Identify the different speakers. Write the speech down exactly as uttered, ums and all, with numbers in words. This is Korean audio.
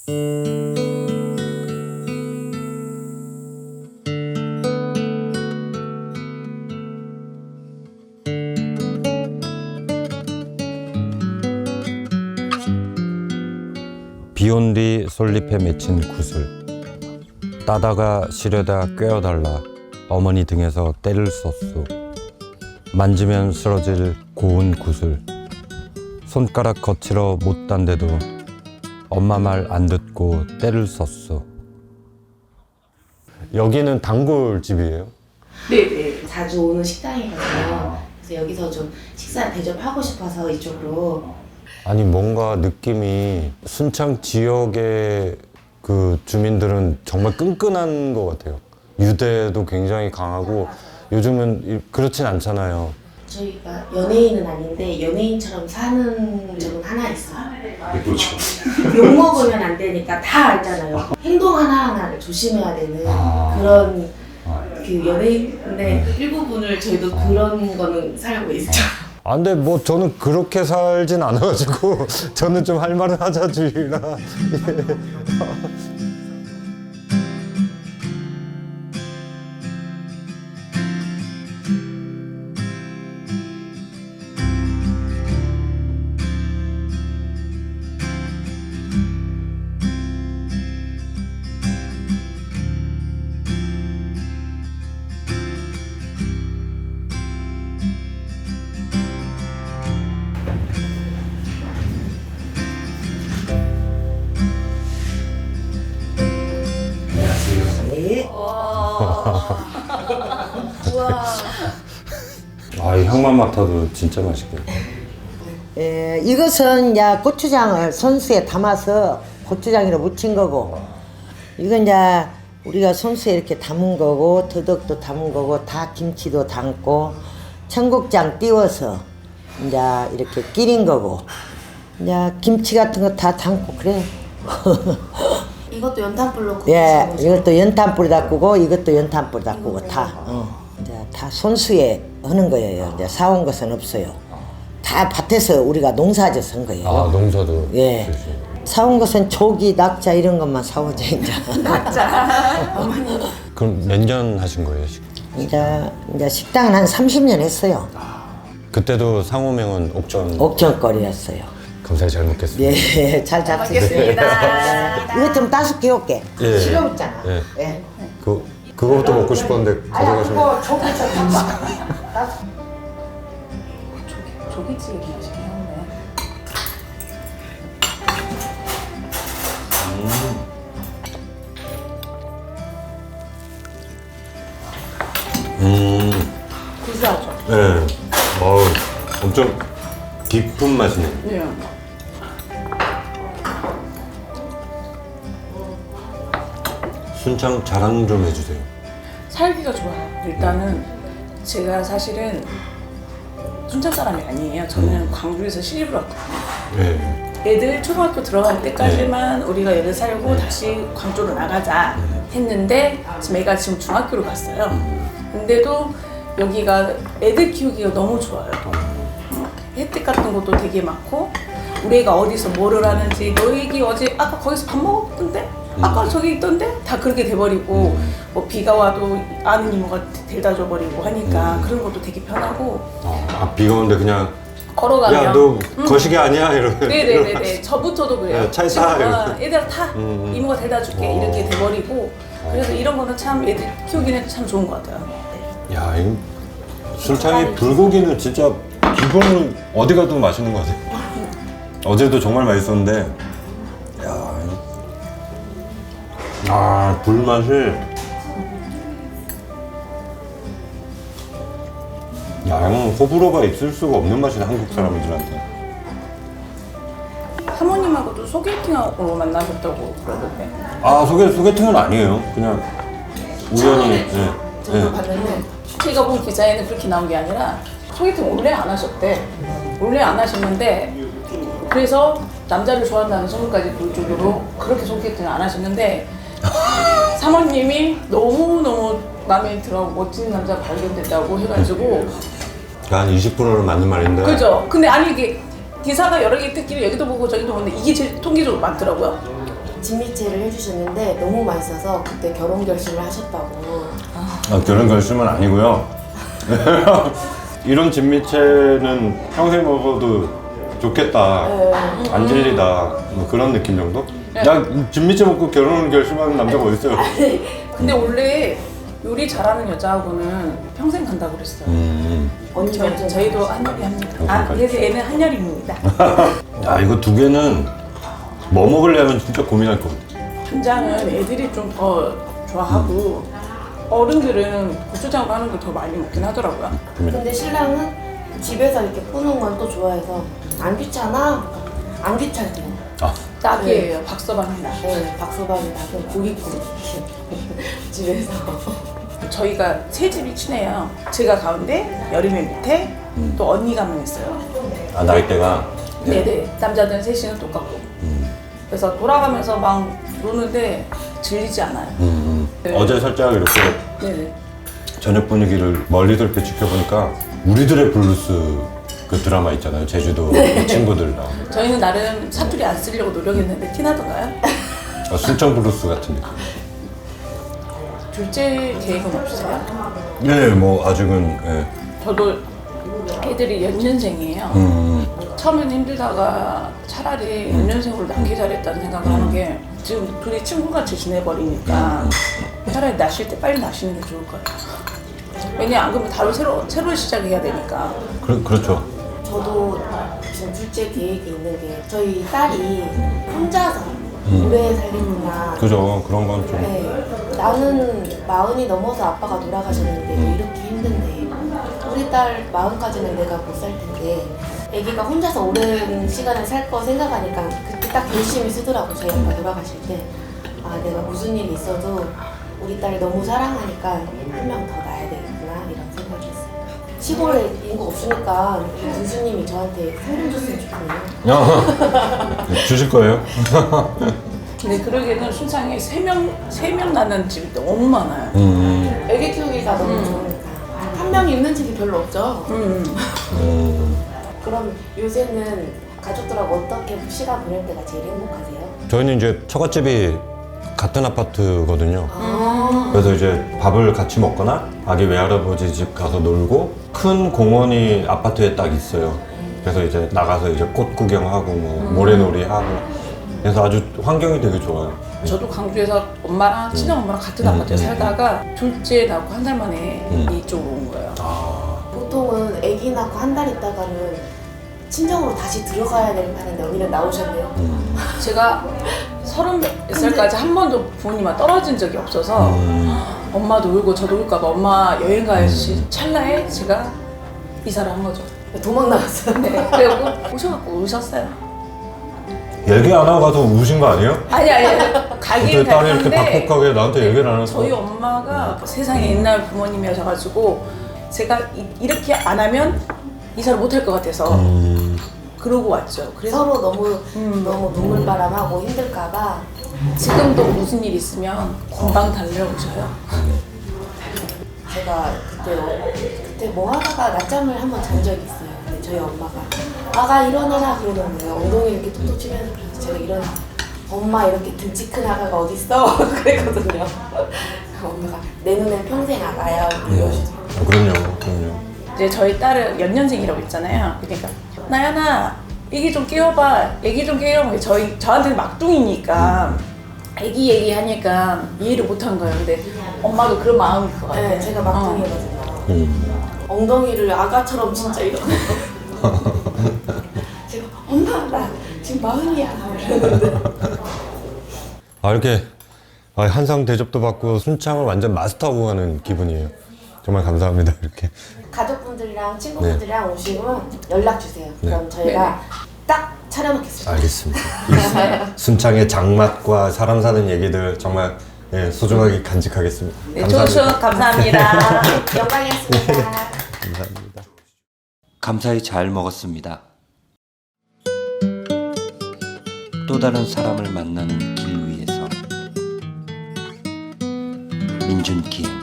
Speaker 1: 비온 뒤 솔잎에 맺힌 구슬, 따다가 시려다 꿰어달라 어머니 등에서 때를 썼소. 만지면 쓰러질 고운 구슬, 손가락 거칠어 못 단데도 엄마 말 안 듣고 때를 썼소. 여기는 단골집이에요?
Speaker 2: 네네, 자주 오는 식당이거든요. 그래서 여기서 좀 식사 대접하고 싶어서 이쪽으로.
Speaker 1: 아니 뭔가 느낌이 순창 지역의 그 주민들은 정말 끈끈한 것 같아요. 유대도 굉장히 강하고 요즘은 그렇진 않잖아요.
Speaker 2: 저희가 연예인은 아닌데 연예인처럼 사는 점은 하나 있어요.
Speaker 3: 그렇죠.
Speaker 2: 욕 먹으면 안 되니까 다 알잖아요. 행동 하나하나를 조심해야 되는
Speaker 1: 아.
Speaker 2: 그런 그 연예인의 일부분을 저희도 그런 거는 살고 있죠.
Speaker 1: 아, 근데 뭐 저는 그렇게 살진 않아가지고 저는 좀 할 말은 하자주의라. 아, 이 향만 맡아도 진짜 맛있겠다.
Speaker 4: 예, 이것은 이제 고추장을 손수에 담아서 고추장으로 무친 거고, 이건 이제 우리가 손수에 이렇게 담은 거고, 더덕도 담은 거고, 다 김치도 담고, 청국장 띄워서 이제 이렇게 끼린 거고, 이제 김치 같은 거 다 담고 그래.
Speaker 2: 이것도 연탄불로 구우신
Speaker 4: 예,
Speaker 2: 거죠?
Speaker 4: 이것도 연탄불 닦고, 이것도 연탄불 닦고 다, 어, 이제 다 손수에 하는 거예요. 이제 사온 것은 없어요. 다 밭에서 우리가 농사져서 한 거예요.
Speaker 1: 아, 농사도.
Speaker 4: 예.
Speaker 1: 주시고.
Speaker 4: 사온 것은 조기, 낙자 이런 것만 사오죠, 이제.
Speaker 1: 그럼 몇 년 하신 거예요?
Speaker 4: 이제, 이제 식당은 한 삼십 년 했어요.
Speaker 1: 그때도 상호명은 옥전.
Speaker 4: 옥전거리였어요.
Speaker 1: 감사히 잘 먹겠습니다.
Speaker 4: 예, 잘 잡수겠습니다. 이것 좀 따서 끼울게.
Speaker 1: 예.
Speaker 4: 식어있잖아.
Speaker 1: 예.
Speaker 4: 예.
Speaker 1: 그, 그거부터 먹고 싶었는데 가져가시면.
Speaker 4: 그거 조기 좀 봐봐.
Speaker 5: 조기찌개 맛있긴 한데.
Speaker 1: 음.
Speaker 5: 구수하죠?
Speaker 1: 네. 어우, 엄청 깊은 맛이네요.
Speaker 5: 네.
Speaker 1: 순창 자랑 좀 해주세요.
Speaker 5: 살기가 좋아요. 일단은 제가 사실은 순창 사람이 아니에요. 저는 광주에서 시집을 왔거든요.
Speaker 1: 네.
Speaker 5: 애들 초등학교 들어갈 때까지만 우리가 여기 살고 다시 광주로 나가자 했는데 지금 애가 지금 중학교로 갔어요. 근데도 여기가 애들 키우기가 너무 좋아요. 혜택 같은 것도 되게 많고 우리 애가 어디서 뭐를 하는지 너 애기 어제 아까 거기서 밥 먹었던데? 아까 저기 있던데? 다 그렇게 돼버리고 뭐 비가 와도 아는 이모가 데려다 줘버리고 하니까 그런 것도 되게 편하고
Speaker 1: 어, 아, 비가 오는데 그냥
Speaker 5: 걸어가면
Speaker 1: 야, 너 거시기 아니야? 이러면.
Speaker 5: 네네네네. 저부터도 그래요.
Speaker 1: 네, 차에
Speaker 5: 지금,
Speaker 1: 타,
Speaker 5: 어,
Speaker 1: 이러면.
Speaker 5: 얘들아 타.
Speaker 1: 음, 음.
Speaker 5: 이모가 대다 줄게.
Speaker 1: 어.
Speaker 5: 이렇게 돼버리고. 그래서 이런 거는 참 애들 키우기는 참 좋은 것 같아요. 네.
Speaker 1: 야, 이 순창의 불고기는 진짜 기본으로 어디 가도 맛있는 것 같아요. 어제도 정말 맛있었는데, 야, 이- 아, 불맛이. 야, 이건 호불호가 있을 수가 없는 맛이네, 한국 사람들한테.
Speaker 5: 사모님하고도 소개팅으로 만나셨다고 그러던데.
Speaker 1: 아, 소개, 소개팅은 아니에요. 그냥 우연히. 예,
Speaker 5: 저도
Speaker 1: 예.
Speaker 5: 봤는데 제가 본 기사에는 그렇게 나온 게 아니라 소개팅 원래 안 하셨대. 원래 안 하셨는데 그래서 남자를 좋아한다는 소문까지 돌 정도로 그렇게 소개팅을 안 하셨는데 사모님이 너무너무 마음에 들어 멋진 남자 발견됐다고 해가지고
Speaker 1: 한 이십 퍼센트는 맞는 말인데.
Speaker 5: 그죠? 근데 아니 이게 기사가 여러 개 듣기를 여기도 보고 저기도 보는데 이게 제일 통계적으로 많더라고요.
Speaker 2: 진미채를 해주셨는데 너무 맛있어서 그때 결혼 결심을 하셨다고.
Speaker 1: 아, 결혼 결심은 아니고요. 이런 진미채는 평생 먹어도 좋겠다. 안 질리다. 뭐 그런 느낌 정도? 나 진미채 먹고 결혼을 결심하는 남자가 어딨어요?
Speaker 5: 근데 원래 요리 잘하는 여자하고는 평생 간다고 그랬어요.
Speaker 1: 음.
Speaker 2: 언니
Speaker 5: 저희,
Speaker 2: 완전
Speaker 5: 저희도 한여리 합니다. 아, 그래서 얘는 한여리입니다.
Speaker 1: 야, 이거 두 개는 뭐 먹으려면 진짜 고민할 것 같아.
Speaker 5: 간장은 애들이 좀 더 좋아하고 어른들은 고추장으로 하는 걸 더 많이 먹긴 하더라고요.
Speaker 2: 근데 신랑은 집에서 이렇게 푸는 건 또 좋아해서 안 귀찮아? 안 귀찮대요.
Speaker 1: 아,
Speaker 5: 딱이에요. 박서방이나.
Speaker 2: 네, 박서방이 닭은 고기 구우기 집에서.
Speaker 5: 저희가 세 집이 친해요. 제가 가운데, 여름의 밑에, 또 언니가 한 명 있어요.
Speaker 1: 아 나이대가.
Speaker 5: 네네. 남자들은 셋이는 똑같고. 그래서 돌아가면서 막 노는데 질리지 않아요.
Speaker 1: 음.
Speaker 5: 네.
Speaker 1: 어제 살짝 이렇게
Speaker 5: 네네.
Speaker 1: 저녁 분위기를 멀리서 이렇게 지켜보니까 우리들의 블루스 그 드라마 있잖아요. 제주도 그 친구들 나오는.
Speaker 5: 저희는 나름 사투리 안 쓰려고 노력했는데 티나던가요?
Speaker 1: 아, 순천 블루스 같은 느낌.
Speaker 5: 둘째 계획은 없으세요?
Speaker 1: 네, 뭐 아직은. 예.
Speaker 5: 저도 애들이 연년생이에요.
Speaker 1: 음.
Speaker 5: 처음에는 힘들다가 차라리 연년생으로 낳기 잘했다는 생각을 하는 게 지금 둘이 친구같이 지내버리니까 차라리 낳으실 때 빨리 낳으시는 게 좋을 거예요. 왜냐 안 그러면 바로 새로, 새로 시작해야 되니까.
Speaker 1: 그, 그렇죠.
Speaker 2: 저도 지금 둘째 계획이 있는 게 저희 딸이 혼자서 오래 살겠구나.
Speaker 1: 그죠. 그런 건 좀.
Speaker 2: 네, 나는 마흔이 넘어서 아빠가 돌아가셨는데 이렇게 힘든데 우리 딸 마흔까지는 내가 못 살 텐데 아기가 혼자서 오랜 시간을 살 거 생각하니까 그때 딱 결심이 쓰더라고. 저희 아빠 돌아가실 때 아 내가 무슨 일이 있어도 우리 딸을 너무 사랑하니까 한 명 더 낳아야 되겠구나 이런 생각이 했어요. 시골에 인구 없으니까 군수님이 저한테 상금 줬으면 좋겠네요.
Speaker 1: 주실 거예요?
Speaker 5: 근데 그러기에는 순창에 세 명, 세 명 낳는 집이 너무 많아요.
Speaker 1: 음.
Speaker 2: 애기 키우기가 너무 좋으니까 한 명이 있는 집이 별로 없죠.
Speaker 5: 음.
Speaker 1: 음.
Speaker 2: 그럼 요새는 가족들하고 어떻게 시간 보낼 때가 제일 행복하세요?
Speaker 1: 저희는 이제 처갓집이 같은 아파트거든요.
Speaker 2: 아,
Speaker 1: 그래서 이제 밥을 같이 먹거나 아기 외할아버지 집 가서 놀고 큰 공원이 아파트에 딱 있어요. 그래서 이제 나가서 이제 꽃 구경하고 뭐 모래놀이 하고 그래서 아주 환경이 되게 좋아요.
Speaker 5: 저도 광주에서 엄마랑 친정 엄마랑 같은
Speaker 1: 음,
Speaker 5: 아파트에
Speaker 1: 음,
Speaker 5: 살다가 둘째 낳고 한 달 만에
Speaker 1: 음.
Speaker 5: 이쪽으로 온 거예요.
Speaker 1: 아,
Speaker 2: 보통은 아기 낳고 한 달 있다가는 친정으로 다시 들어가야 될 판인데 언니는 나오셨네요.
Speaker 1: 음.
Speaker 5: 제가 서른 몇 살까지 한 번도 부모님과 떨어진 적이 없어서
Speaker 1: 음.
Speaker 5: 엄마도 울고 저도 울까봐 엄마 여행 가야지 찰나에 제가 이사를 한 거죠.
Speaker 2: 도망 나왔어요.
Speaker 5: 네. 그래갖고 오셔갖고 우셨어요.
Speaker 1: 얘기 안 하고 가서 우신 거 아니에요?
Speaker 5: 아니 아니 가긴
Speaker 1: 어떻게 딸이 이렇게
Speaker 5: 갔는데
Speaker 1: 박복하게 나한테 얘기를 안 해서.
Speaker 5: 저희 엄마가 세상에 옛날 부모님이셔가지고 제가 이, 이렇게 안 하면 이사를 못 할 것 같아서
Speaker 1: 음.
Speaker 5: 그러고 왔죠. 그래서
Speaker 2: 서로 너무
Speaker 5: 음.
Speaker 2: 너무 눈물바람하고 힘들까봐
Speaker 5: 지금도 무슨 일 있으면 금방 달려오셔요.
Speaker 2: 제가 그때 어- 그때 뭐 하다가 낮잠을 한번 잔 적이 있어요. 근데 저희 엄마가 아가 일어나라 그러는 거예요. 엉덩이 이렇게 톡톡 치면서 그래서 제가 일어나 엄마 이렇게 등치 큰 아가가 어딨어? 그랬거든요. 엄마가 내 눈엔 평생 아가야 이러시더라고요.
Speaker 1: 아, 그럼요, 그럼요.
Speaker 5: 이제 저희 딸은 연년생이라고 있잖아요. 그러니까 나연아 애기 좀 깨워봐. 애기 좀 깨워. 저희 저한테는 막둥이니까 애기 얘기하니까 이해를 못한 거예요. 근데 엄마도 그런 마음일 것 같아요.
Speaker 2: 네, 제가 막둥이거든요.
Speaker 1: 음.
Speaker 2: 엉덩이를 아가처럼 진짜 이러고 제가 엄마 나 지금 마흔이야 이러는데
Speaker 1: 아, 이렇게 아, 한상 대접도 받고 순창을 완전 마스터하고 가는 기분이에요. 정말 감사합니다. 이렇게.
Speaker 2: 가족분들이랑 친구분들이랑 오시면 연락 주세요. 그럼 저희가
Speaker 5: 네네.
Speaker 2: 딱 차려놓겠습니다.
Speaker 1: 알겠습니다. 이 순창의 장맛과 사람 사는 얘기들 정말 예, 소중하게 간직하겠습니다.
Speaker 5: 네, 조슈 감사합니다.
Speaker 2: 영광이었습니다.
Speaker 1: 감사합니다.
Speaker 3: 감사히 잘 먹었습니다. 또 다른 사람을 만나는 길 위에서 민준기행